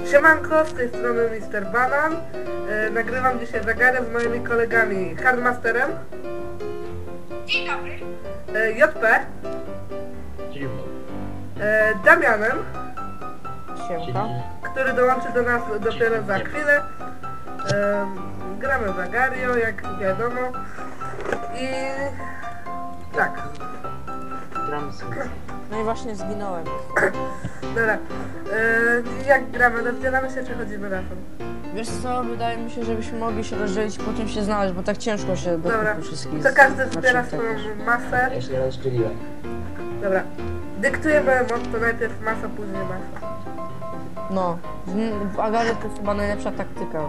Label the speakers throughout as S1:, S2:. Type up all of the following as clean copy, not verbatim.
S1: Siemanko, z tej strony Mr. Banan. Nagrywam dzisiaj zagadkę z moimi kolegami Hardmasterem.
S2: Dzień dobry.
S1: JP. Damianem.
S3: Siemka.
S1: Który dołączy do nas dopiero za chwilę. Gramy w Agario, jak wiadomo. I tak.
S3: Gramy sobie.
S4: No i właśnie zginąłem.
S1: Dobra. Jak gramy? Rozdzielamy się czy chodzimy razem?
S4: Wiesz co, wydaje mi się, żebyśmy mogli się rozdzielić, potem się znaleźć, bo tak ciężko się do
S1: Dobra.
S4: tych wszystkich...
S1: To każdy zbiera
S4: znaczy,
S1: swoją
S4: tak
S1: masę.
S3: Ja się rozdzieliłem.
S1: Dobra. Dyktujemy motto, najpierw masa, później masa.
S4: No, w Agario to jest chyba najlepsza taktyka.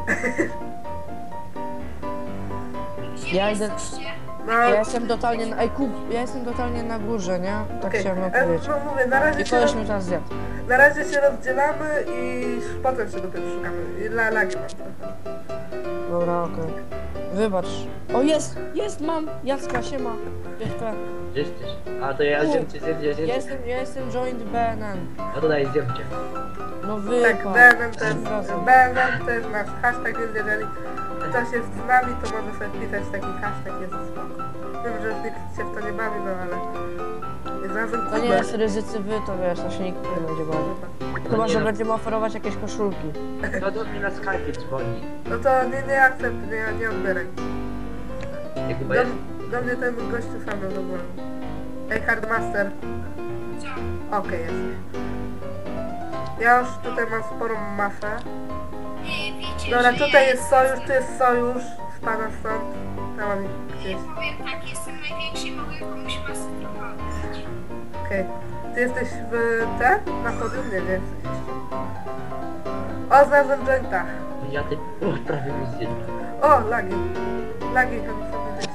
S2: Gdzie
S4: Ja
S2: ja
S4: idę-
S2: jesteście?
S1: No,
S4: Ja jestem totalnie na... Ej, kup, ja jestem totalnie na górze, nie? Tak
S1: okej.
S4: chciałem opowiedzieć.
S1: No mówię,
S4: I koleś mnie teraz zjadł.
S1: na razie się rozdzielamy i potem się dopiero szukamy. I lagi mam trochę.
S4: Dobra, okej. Wybacz. O, jest, mam! Jacka, siema. Jacka.
S3: Gdzie jesteś? A to ja zjem cię, zjem.
S4: Ja jestem joined BNN.
S3: A to daj, zjem cię.
S4: No
S1: Tak,
S4: wypad.
S1: BNN to jest nasz hashtag, więc jeżeli ktoś jest z nami, to może sobie pisać taki hashtag, jest spoko. Wiem, że nikt się w to nie bawi, no ale... Znalazłem
S4: To nie
S1: kubę.
S4: jest ryzycy wy, to wiesz, to się nikt nie będzie bawił. Chyba, że będziemy oferować jakieś koszulki.
S3: No to mnie na Skype dzwoni.
S1: No to nie akcept, nie odbieraj.
S3: Jak chyba jest.
S1: Do mnie ten gościu sam zadzwonił. Ej, Hardmaster.
S2: Co?
S1: Okej, jest. Ja już tutaj mam sporą masę.
S2: Wiecie,
S1: Dobra,
S2: że
S1: tutaj
S2: ja
S1: jest sojusz, tu jest sojusz. Spada stąd. Tam mam gdzieś.
S2: Ja powiem tak, jestem największy i mogę komuś masę trochę oddać.
S1: Okej. Ty jesteś w na podium? Nie jesteś jeszcze. O, znalazłem Jenta.
S3: Ja ty... prawie mi zjem.
S1: O, lagi. Lagi, to mi sobie wyjść.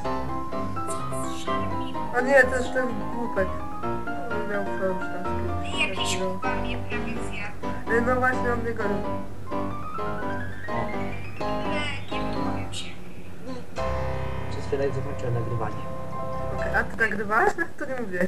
S1: O nie, to jest ten głupek. On miał sojusz tam z kimś.
S2: Jakiś chyba mnie prawie zjadł.
S1: No właśnie, on mnie gonił.
S2: Ale nie powiem się.
S3: Przez chwilę zakończyłem nagrywanie.
S1: Okej, a ty nagrywałeś? To nie mówiłeś.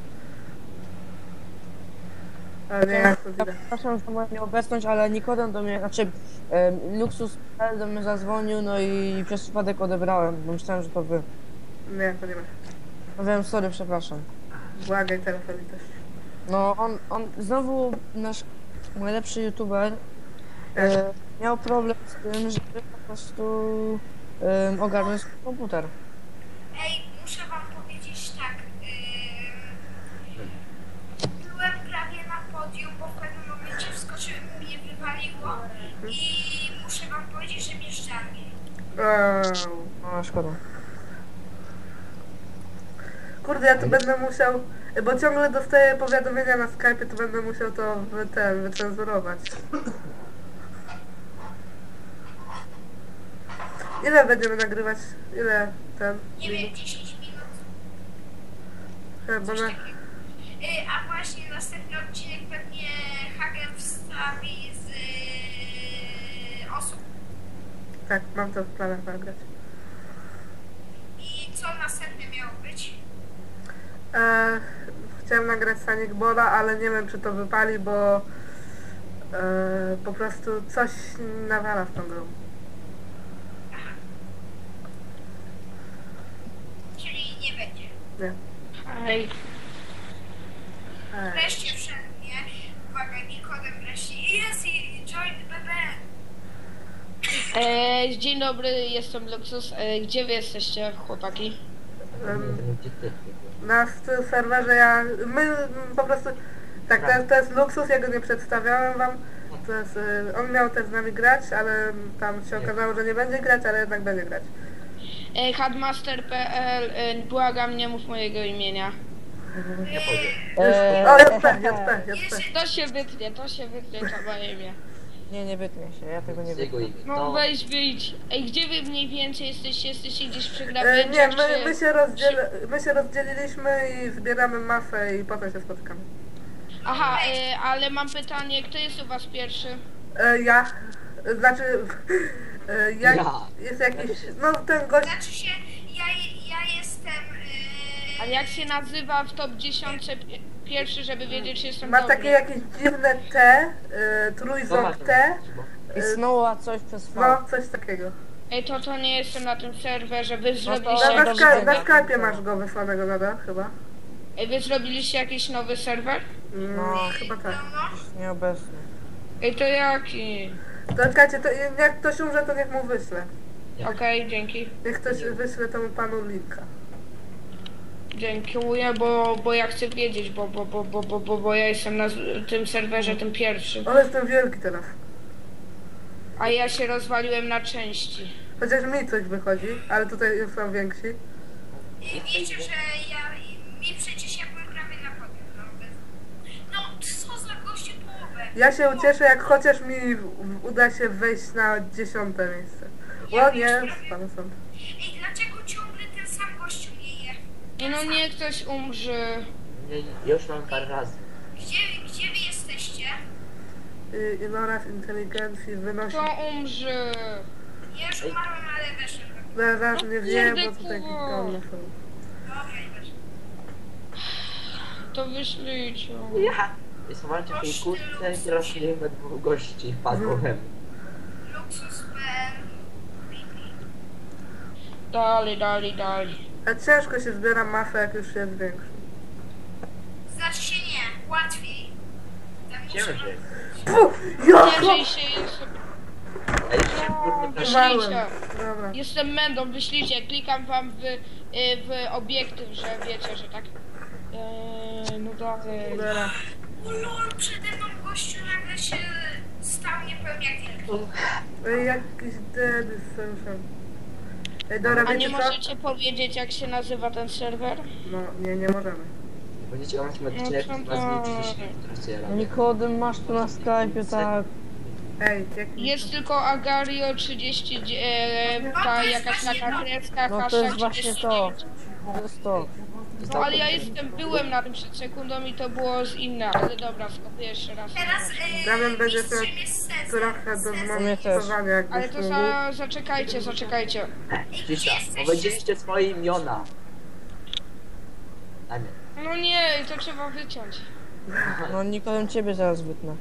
S1: Ale nie, jak to widać.
S4: Przepraszam za moją nieobecność, ale Nikodem do mnie, znaczy Luxus do mnie zadzwonił, no i przez przypadek odebrałem, bo myślałem, że to wy.
S1: Nie, to nie ma.
S4: No wiem, sorry, przepraszam.
S1: Błagaj telefon i też.
S4: No on znowu nasz najlepszy youtuber miał problem z tym, żeby po prostu ogarnąć komputer.
S2: Ej, muszę wam powiedzieć tak. Byłem prawie na podium, bo w pewnym momencie wskoczyłem, mnie wywaliło i muszę wam powiedzieć, że mnie żarnie.
S1: Wow.
S4: No szkoda.
S1: Kurde, ja tu będę musiał, bo ciągle dostaję powiadomienia na Skype, to będę musiał to wycenzurować. Ile będziemy nagrywać? Ile ten?
S2: Nie wiem, 10 minut.
S1: Chyba
S2: Coś
S1: na...
S2: takiego. A właśnie następny odcinek pewnie Hagen wstawi z osób.
S1: Tak, mam to w planach nagrać.
S2: I co następne miało być?
S1: Chciałem nagrać Sonic Bola, ale nie wiem czy to wypali, bo po prostu coś nawala w tą grą.
S2: Czyli nie będzie.
S1: Nie.
S4: Hej.
S2: Wreszcie wszedł, nie? Uwaga, Nikodem wreszcie. Jest i join BB.
S5: Dzień dobry, jestem Luxus. Gdzie wy jesteście, chłopaki?
S3: Gdzie ty?
S1: Na serwerze my po prostu, tak, to jest Luksus, ja go nie przedstawiałem wam. To jest, on miał też z nami grać, ale tam się okazało, że nie będzie grać, ale jednak będzie grać.
S5: Headmaster.pl, błagam, nie mów mojego imienia.
S3: Nie powiem.
S1: O, JP.
S5: To się wytnie, to moje imię.
S4: Nie wytnie się, ja tego nie
S3: Z jego
S4: wiem.
S3: imię.
S5: No weź wyjdź. Ej, gdzie wy mniej więcej jesteście? Jesteście gdzieś przy grabięciach,
S1: Nie,
S5: czy...
S1: my się rozdzieliliśmy i zbieramy masę i potem się spotykamy.
S5: Aha, ale mam pytanie, kto jest u was pierwszy?
S1: Ja, znaczy,
S3: Ja.
S1: jest jakiś, no ten gość,
S2: Znaczy się, ja jestem...
S5: A jak się nazywa w top 10 pierwszy, żeby wiedzieć, czy jestem
S1: Ma
S5: dobry.
S1: takie jakieś dziwne T, trójząb T,
S4: I Snowa coś przez V.
S1: no coś takiego.
S5: Ej, to nie jestem na tym serwerze, wy
S4: to-
S5: zrobiliście
S1: Na,
S5: jakiś...
S4: dobra,
S1: na
S4: dobra.
S1: Skype'ie masz go wysłanego nadal chyba.
S5: Ej, wy zrobiliście jakiś nowy serwer?
S4: No.
S1: Chyba tak.
S4: Nieobecny.
S5: Ej, to jaki?
S1: To czekajcie, to jak ktoś umrze, to niech mu wyślę.
S5: Okej, dzięki.
S1: Niech ktoś wyśle temu panu linka.
S5: Dziękuję, bo ja chcę wiedzieć, bo ja jestem na tym serwerze tym pierwszym.
S1: On jest ten wielki teraz.
S5: A ja się rozwaliłem na części.
S1: Chociaż mi coś wychodzi, ale tutaj już są więksi.
S2: I wiecie, że mi przecież ja byłem prawie na podium. No co za gościu połowę.
S1: Ja się ucieszę, jak chociaż mi uda się wejść na 10. miejsce. O nie, spadł stąd.
S2: Ej, dlaczego ciągle ten sam gościu nie je?
S5: I no niech ktoś umrze.
S3: Ja już mam parę razy.
S2: Gdzie wy jesteście?
S1: Iloraz inteligencji wynosi...
S5: Kto umrze?
S2: Ja już umarłem, ale weszłem.
S1: Zaraz nie wiem,
S5: kurde,
S1: bo tutaj
S5: kurwa.
S1: gigolne są.
S2: Dobra, i weszłem.
S5: To wyślijcie.
S3: Ja! Jest walczę w tej kurtce i teraz nie we dwóch gości wpadło we mnie.
S2: Luksus.pl.
S5: Dalej.
S1: A ciężko się zbiera masę, jak już jest większy.
S2: Znaczy się nie, łatwiej. Tak muszę
S3: Ciężej.
S5: Ciężej się jest...
S3: Ej, się kurde
S5: Wyślijcie.
S1: Dobra.
S5: Jestem Mendą, wyślijcie. Klikam wam w obiektyw, że wiecie, że tak... no dalej.
S1: Dobra.
S2: O lol, przede mną gościu nagle się stał niepełny jak wilk.
S1: Ej, jakiś deady słyszę. Ej, dobra,
S5: A nie
S1: wiecie co?
S5: możecie powiedzieć, jak się nazywa ten serwer?
S1: No, nie możemy.
S3: Będziecie oglądać odcinek,
S5: No,
S3: to was nie interesuje.
S4: Nikodem masz tu na Skype'ie, tak.
S1: Ej, jak...
S5: Jest tylko Agario 30, ta jakaś taka kreska,
S4: No to
S5: hashtag
S4: jest właśnie
S5: 39.
S4: to. To jest to.
S5: No ale ja byłem na tym przed sekundą i to było z inne, ale dobra, skopię jeszcze raz.
S2: Teraz
S1: Damian będzie
S2: mistrzem
S1: miał
S2: jest Cezar.
S1: trochę do
S4: Mnie też.
S1: zmontowania,
S5: Ale
S1: jakbyś
S5: to
S1: mógł.
S5: zaczekajcie.
S3: Cisza, powiedzieliście swoje imiona. A nie.
S5: No nie, to trzeba wyciąć.
S4: No Nikodem ciebie zaraz wytnę.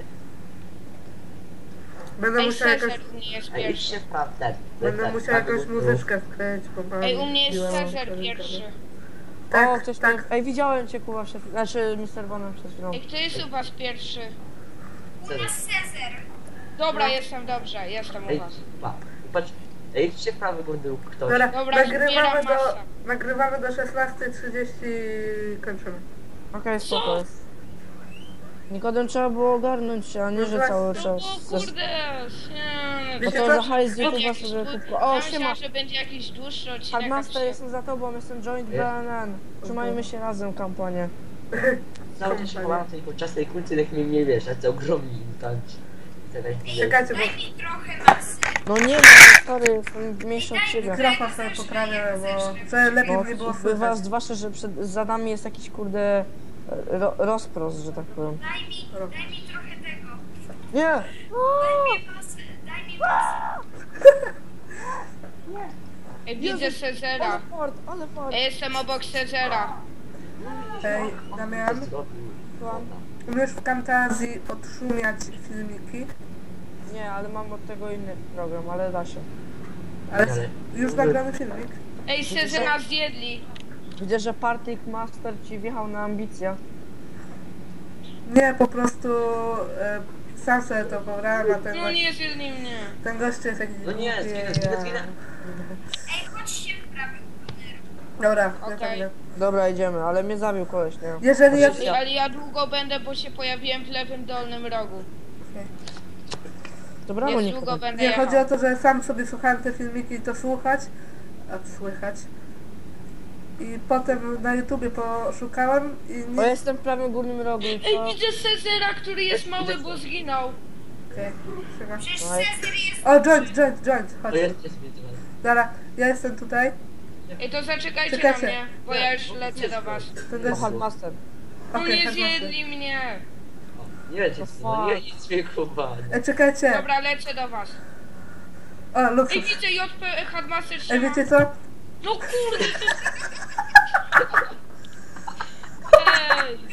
S1: Będę
S5: Ej,
S1: musiał jakoś...
S5: Cezar u mnie jest
S3: Ej,
S5: pierwszy.
S3: idźcie w prawdę.
S1: Będę musiał jakąś muzyczkę wkleić, bo mam...
S5: Ej, u mnie jest
S1: białą
S5: Cezar
S1: rękę.
S5: pierwszy.
S1: Tak,
S4: O, ktoś
S1: tak.
S4: mnie... Ej, widziałem cię Kuba, znaczy Mr. Bonem przed chwilą.
S5: Ej, kto jest u was pierwszy?
S2: U nas Cezar.
S5: Dobra, jestem dobrze, jestem u
S3: Ej,
S5: was.
S3: patrz. Ej, idźcie w prawy górny ktoś.
S1: Dobra,
S5: Dobra, zbieram masę.
S1: nagrywamy do 16:30 kończymy.
S4: Okej, spoko jest. Nikodem trzeba było ogarnąć się, a nie, że cały czas.
S5: O kurde,
S4: No
S1: Wiecie
S4: to
S1: co?
S4: za hajs z YouTube'a sobie kupko. O,
S5: Ja
S4: siema!
S5: myślałam, że będzie jakiś dłuższy odcinek.
S4: Hardmaster, jestem za tobą, jestem Joint BNN. Trzymajmy się razem, kampanię.
S3: Cały czas się chowałem w tej czasnej kulce, jak mnie nie wiesz, a co ogromni mutanci.
S1: Czekajcie, bo
S2: Daj mi trochę masy.
S4: No nie ma, sorry, jestem mniejszy od ciebie.
S1: mikrofon sobie poprawię, bo co lepiej
S4: No,
S1: nie było
S4: bywa
S1: słychać.
S4: zwłaszcza, że za nami jest jakiś kurde rozprost, że tak powiem.
S2: Daj mi trochę tego.
S4: Nie!
S2: Daj mi masę. Daj mi masę.
S5: Ej, widzę Cezara.
S4: Ale fart.
S5: Ja jestem obok Cezara.
S1: Ej, Damian, umiesz w Camtazji odszumiać filmiki,
S4: Nie, ale mam od tego inny program, ale da się.
S1: ale już nagrany filmik.
S5: Ej, Cezara zjedli.
S4: Widzę, że Partik Master ci wjechał na ambicje.
S1: Nie, po prostu sam sobie to pobrałem, a
S5: No nie zjedli mnie.
S1: ten gość jest jakiś...
S3: No nie,
S1: głupie,
S3: zginę.
S2: Ej, chodźcie w prawy górny.
S1: Dobra,
S5: Okej.
S1: okay.
S4: Dobra, idziemy, ale mnie zabił koleś, nie?
S1: Jeżeli ja...
S5: Ej, ale ja długo będę, bo się pojawiłem w lewym dolnym rogu.
S4: Dobra,
S5: Więc
S4: nie
S5: długo będę
S1: Nie,
S5: jechał.
S1: chodzi o to, że sam sobie słuchałem te filmiki i to słuchać, słychać. I potem na YouTubie poszukałem i
S4: Bo
S1: nie...
S4: jestem w prawym górnym rogu i
S5: Ej,
S4: co?
S5: widzę Cezara, który jest mały, bo zginął.
S1: Okej, trzyma.
S2: Przecież
S4: No
S2: Cezar jest...
S1: O, joint,
S3: To
S1: chodź.
S3: jest mnie teraz.
S1: Dobra, ja jestem tutaj.
S5: Ej, to zaczekajcie na
S1: Czekajcie.
S5: mnie, bo ja już lecę do was.
S1: Ten
S4: O,
S1: gość...
S4: Hardmaster.
S5: No
S1: Okej,
S5: nie
S1: Hardmaster.
S5: zjedli mnie.
S3: Nie wiecie, no nie nic mnie kuba.
S1: Czekajcie.
S5: Dobra, lecę do was.
S1: O,
S5: Ej,
S1: luksus.
S5: widzę JP Headmaster
S1: Ej,
S5: trzyma.
S1: wiecie co?
S5: No kurde, to... Ej,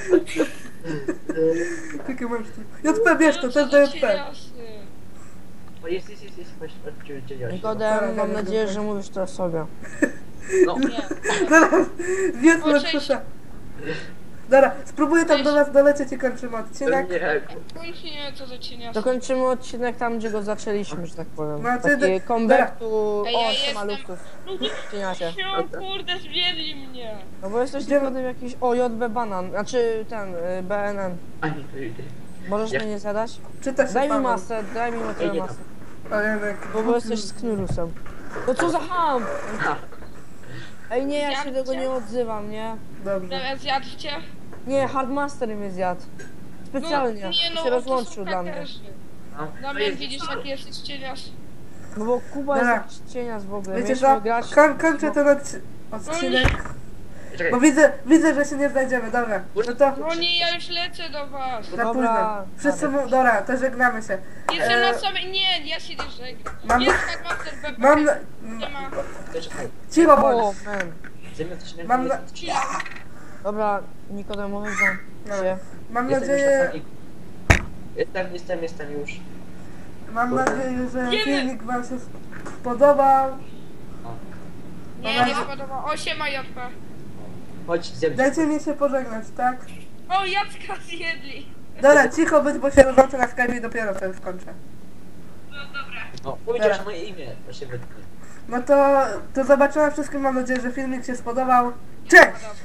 S1: Jakie masz tu? JP, bierz to, to jest do JP.
S3: O, jest, chodź, chodź.
S4: Nikodem, mam nadzieję, że mówisz to o sobie.
S3: No,
S5: Nie.
S1: Zaraz, zjedz
S5: O,
S1: na
S5: cześć.
S1: krzyża. Dobra, spróbuję tam
S5: Cześć.
S1: do was dolecieć i kończymy odcinek.
S3: nie,
S5: Nie, co za cieniasy.
S4: Dokończymy odcinek tam, gdzie go zaczęliśmy, że tak powiem.
S1: No, ty-
S4: Taki comeback to...
S5: Ej, ja
S4: O,
S5: jestem-
S4: siema Luxus.
S5: No
S4: Cieniasie.
S5: no, kurde, zwiedli mnie.
S4: No bo jesteś
S1: Gdzie-
S4: Nikodem jakiś... O, JB Banan, znaczy ten, BNN.
S3: ani to
S4: Możesz
S3: Ja-
S4: mnie nie zadać?
S1: Czyta się
S4: Daj mi
S1: Paweł.
S4: masę, daj mi
S3: Ej, nie
S4: masę.
S1: O, Janek.
S4: Bo jesteś z knurusem. No co za ham!
S3: Ha,
S4: Ej nie, ja się
S5: Zjadłcie?
S4: tego nie odzywam, nie?
S1: Dobrze.
S5: Teraz zjadłcie?
S4: Nie, Hardmaster mnie zjadł. Specjalnie,
S5: nie,
S4: się rozłączył
S5: to są
S4: dla mnie.
S5: hakerzy.
S3: no.
S5: Damian, widzisz, jaki jesteś cienias?
S4: No bo Kuba
S1: Dobra.
S4: jest jakiś cienias w ogóle.
S1: Wiecie
S4: Mieliśmy
S1: co?
S4: grać...
S1: Kończę ten odcinek.
S3: Czekaj,
S1: Bo widzę, że się nie znajdziemy, dobra. No to
S5: No nie, ja już lecę do was.
S1: za
S4: Dobra.
S1: późno. Wszyscy mu... Dobra, to żegnamy się.
S5: Jestem na samej... Nie, ja się nie żegnam.
S1: Mam-
S5: Jest Hackmaster BP.
S1: Mam...
S5: Nie ma.
S3: czekaj.
S1: Cicho
S4: O,
S1: bądź.
S4: man.
S3: Zamiast coś
S1: Mam na-
S4: Dobra, Nikodem, mówisz
S1: No.
S4: się.
S1: Mam
S3: Jestem już na
S1: nadzieję...
S3: sali. Jestem już.
S1: Mam nadzieję, że
S5: Wiemy.
S1: filmik wam się spodobał.
S5: Nie, nie spodoba. O, siema JP.
S3: Chodź, zjem.
S1: Dajcie mi się pożegnać, tak?
S5: O, Jacka zjedli.
S1: Dobra, cicho być, bo się rozłączę na Skype i dopiero wtedy skończę.
S5: No dobra.
S3: No, powiedziałeś moje imię. Proszę wytnij.
S1: No to zobaczymy wszystkim, mam nadzieję, że filmik się spodobał. Cześć!